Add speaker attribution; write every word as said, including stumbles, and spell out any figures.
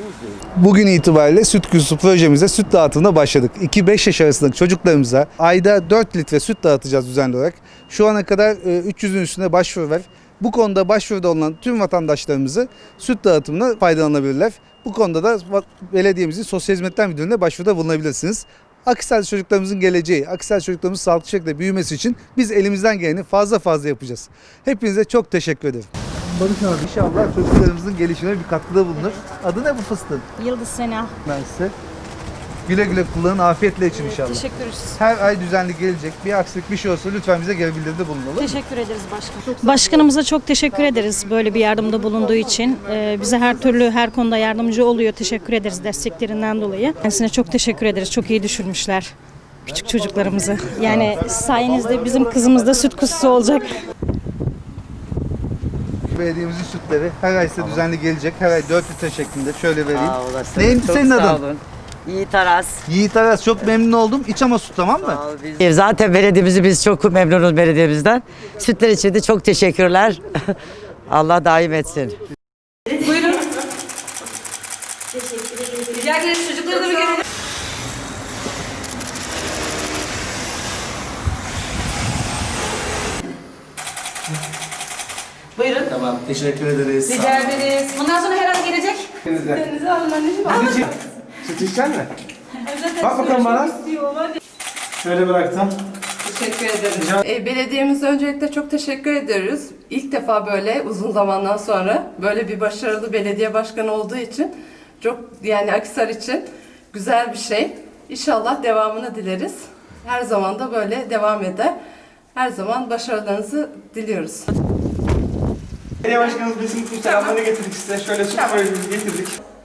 Speaker 1: Bugün itibariyle süt kuyusu projemize süt dağıtımına başladık. iki beş yaş arasındaki çocuklarımıza ayda dört litre süt dağıtacağız düzenli olarak. Şu ana kadar üç yüzün üstünde başvuru var. Bu konuda başvuruda olan tüm vatandaşlarımızı süt dağıtımına faydalanabilirler. Bu konuda da belediyemizin sosyal hizmetler müdürlüğüne başvuruda bulunabilirsiniz. Akhisar çocuklarımızın geleceği, Akhisar çocuklarımızın sağlıklı şekilde büyümesi için biz elimizden geleni fazla fazla yapacağız. Hepinize çok teşekkür ederim. Barış abi inşallah çocuklarımızın gelişimine bir katkıda bulunur. Adı ne bu fıstığın?
Speaker 2: Yıldız Sena.
Speaker 1: Ben size. Güle güle kullanın, afiyetle için inşallah.
Speaker 2: Teşekkür ederiz.
Speaker 1: Her ay düzenli gelecek. Bir aksilik bir şey olsa lütfen bize geri bildiride bulun, olur mu?
Speaker 2: Teşekkür ederiz başkan. Başkanımıza çok teşekkür ederiz böyle bir yardımda bulunduğu için. Ee, bize her türlü her konuda yardımcı oluyor. Teşekkür ederiz desteklerinden dolayı. Kendisine çok teşekkür ederiz. Çok iyi düşünmüşler küçük çocuklarımızı. Yani sayenizde bizim kızımız da süt kuzusu olacak.
Speaker 1: Belediyemizin sütleri her ay size düzenli gelecek. Her ay dört litre şeklinde. Şöyle vereyim.
Speaker 3: Sağ olasın.
Speaker 1: Neydi
Speaker 3: Çok
Speaker 1: senin
Speaker 3: sağ
Speaker 1: adın?
Speaker 3: olun. Yiğit Aras.
Speaker 1: Yiğit Aras, çok memnun oldum. İç ama süt, tamam mı?
Speaker 3: Sağ ol, biz- Zaten belediyemizi biz çok memnunuz belediyemizden. Sütler için de çok teşekkürler. Allah daim etsin.
Speaker 4: Buyurun. Rica ederiz. Çocukları da bir görelim. Buyurun.
Speaker 5: Tamam, teşekkür ederiz.
Speaker 4: Rica ederiz. Bundan sonra her an gelecek.
Speaker 5: Denizden.
Speaker 4: Denize alın anneciğim. Alın.
Speaker 5: Süt, süt içecek misin?
Speaker 4: Zaten
Speaker 5: Bak bakalım bana.
Speaker 4: istiyor, hadi.
Speaker 5: Şöyle bıraktım.
Speaker 4: Teşekkür ederim. E, belediyemize öncelikle çok teşekkür ediyoruz. İlk defa böyle uzun zamandan sonra böyle bir başarılı belediye başkanı olduğu için çok, yani Akhisar için güzel bir şey. İnşallah devamını dileriz. Her zaman da böyle devam eder. Her zaman başarılarınızı diliyoruz.
Speaker 5: Belediye başkanımız bizim bu selamlarını getirdik size. Şöyle süt koyuyoruz, getirdik.